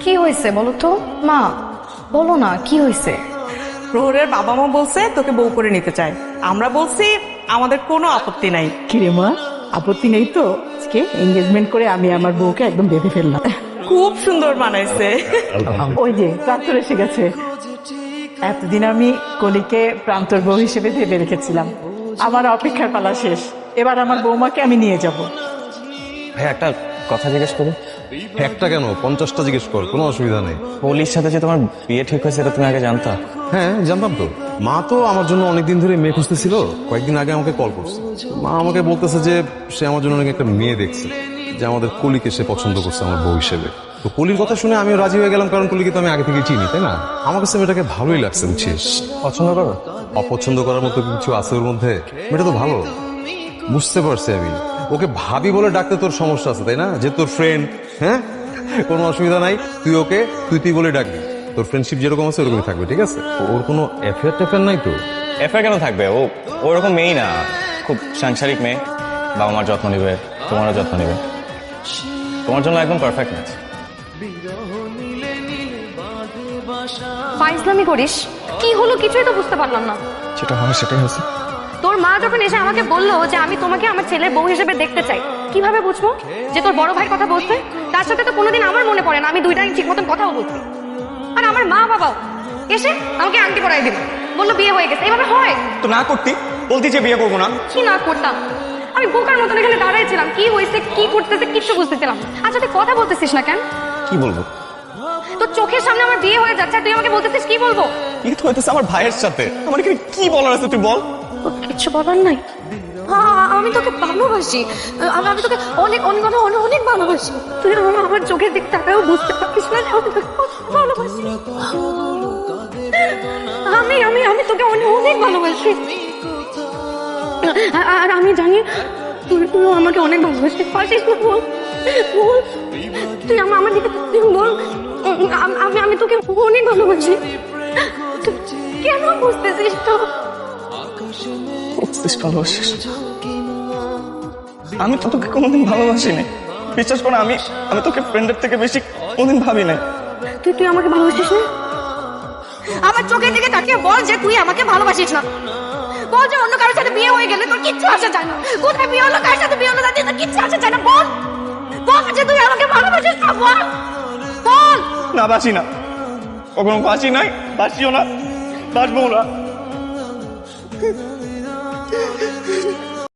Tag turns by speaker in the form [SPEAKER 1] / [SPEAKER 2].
[SPEAKER 1] কি হয়েছে বলো তো? মা বলো না, কি হয়েছে?
[SPEAKER 2] প্রহরের বাবা মা বলছে তোকে বউ করে নিতে চায়। আমরা বলছি আমাদের কোনো আপত্তি নাই।
[SPEAKER 3] কিরে মা, আপত্তি নেই তো? আজকে এঙ্গেজমেন্ট করে আমি আমার বউকে একদম বেঁধে ফেললাম।
[SPEAKER 2] খুব সুন্দর বানাইছে।
[SPEAKER 3] ওই যে প্রান্তর এসে গেছে। এতদিন আমি কলিকে প্রান্তর বউ হিসেবে ভেবে রেখেছিলাম। আমার অপেক্ষার পালা শেষ। এবার আমার বৌমাকে আমি নিয়ে যাব।
[SPEAKER 4] ভাই একটা কথা জিজ্ঞেস করি।
[SPEAKER 5] একটা কেন 50টা জিজ্ঞেস কর, কোনো অসুবিধা নেই।
[SPEAKER 4] পলির সাথে যে তোমার বিয়ে ঠিক হয়েছে এটা তুমি আগে জানতা?
[SPEAKER 5] হ্যাঁ জানতাম তো। মা তো আমার জন্য অনেকদিন ধরে মেয়ে খুঁজতেছিল, কয়েকদিন আগে আমাকে কল করছে। মা আমাকে বলতেছে যে সে আমার জন্য অনেক একটা মেয়ে দেখছে, যে আমাদের কলিকে সে পছন্দ করছে আমার বউ হিসেবে। তো কলির কথা শুনে আমিও রাজি হয়ে গেলাম, কারণ কলিকে তো আমি আগে থেকে চিনি, তাই না? আমার কাছে মেয়েটাকে ভালোই লাগছে, বুঝছিস?
[SPEAKER 4] পছন্দ করো?
[SPEAKER 5] অপছন্দ করার মতো কিছু আছে ওর মধ্যে? মেয়েটা তো ভালো, বুঝতে পারছি আমি। ওকে ভাবি বলে ডাকতে তোর সমস্যা আছে, তাই না? যে তোর ফ্রেন্ড। হ্যাঁ, কোনো অসুবিধা নাই, তুই ওকে তুই বলে ডাকবি। তোর ফ্রেন্ডশিপ যেরকম আছে ওরকমই থাকবে, ঠিক আছে? ওর কোনো অ্যাফেয়ার ট্যাফেয়ার নাই তো?
[SPEAKER 4] এফআইআর কেন থাকবে? ও ওরকম মেয়েই না, খুব সাংসারিক মেয়ে। বাবা মার যত্ন নিবে, তোমারও যত্ন নিবে। তোমার জন্য একদম পারফেক্ট ম্যাচ।
[SPEAKER 1] ফাইজলামি করিস? কি হলো কিছুই তো বুঝতে পারলাম না।
[SPEAKER 4] যেটা হয় সেটাই হয়েছে।
[SPEAKER 1] তোর মা যখন এসে আমাকে বললো যে আমি তোমাকে আমার ছেলের বউ হিসেবে দেখতে চাই, কিভাবে বুঝবো যে তোর বড় ভাইয়ের কথা বলছে? তার সাথে তো কোনোদিন আমার মনে পড়ে না আমি দুইটা ঠিক মতন কথাও বলছি। আর আমার মা বাবাও এসে আমাকে আংটি পরাই দিল, বললো বিয়ে হয়ে গেছে। এভাবে হয়?
[SPEAKER 4] তো না করতি, বলতি যে বিয়ে করবো না।
[SPEAKER 1] কি না করতাম? আমি বোকার মতন এখানে দাঁড়াইছিলাম, কি হয়েছে কি করতেছে কিচ্ছু বুঝতেছিলাম। আচ্ছা তুই কথা বলতেছিস না কেন?
[SPEAKER 4] কি বলবো?
[SPEAKER 1] তোর চোখের সামনে আমার বিয়ে হয়ে যাচ্ছে আর তুই আমাকে বলতেছিস কি বলবো?
[SPEAKER 4] কি তো হইতেছে আমার ভাইয়ের সাথে? আমার এখানে কি বলার আছে তুই বল।
[SPEAKER 1] কিছু বলার নাই। আমি তোকে ভালোবাসি, আমি তোকে অনেক অনেক অনেক অনেক ভালোবাসি। তুই আমার চোখের দিক তাকাও বুঝতে পারছিস না আমি তোকে কত ভালোবাসি। আমি আমি আমি তোকে অনেক অনেক ভালোবাসি। আর আমি জানি তুইও আমাকে অনেক ভালোবাসিস। পারছিস না? বল বল, তুই আমার দিকে বল। আমি তোকে অনেক ভালোবাসি। কেন বুঝতেছিস তো?
[SPEAKER 4] ভালোবাসিস? আমি তো তোকে কোনোদিন ভালোবাসিনি, বিশ্বাস কর। আমি তোকে ফ্রেন্ডের থেকে বেশি কোনোদিন ভাবি নাই।
[SPEAKER 1] তুই আমাকে ভালোবাসিস না? আমার চোখের দিকে তাকিয়ে বল যে তুই আমাকে ভালোবাসিস না। বল যে অন্য কারোর সাথে বিয়ে হয়ে গেলে তোর কিচ্ছু আসে যায় না। কোথায় বিয়ে হলো, কার সাথে বিয়ে হলো, তাতে তোর কিচ্ছু আসে যায় না। বল বল যে তুই আমাকে ভালোবাসিস না। বল বল।
[SPEAKER 4] না, বাসি না, কখনো বাসি নাই, বাসিও না, বাসবো না।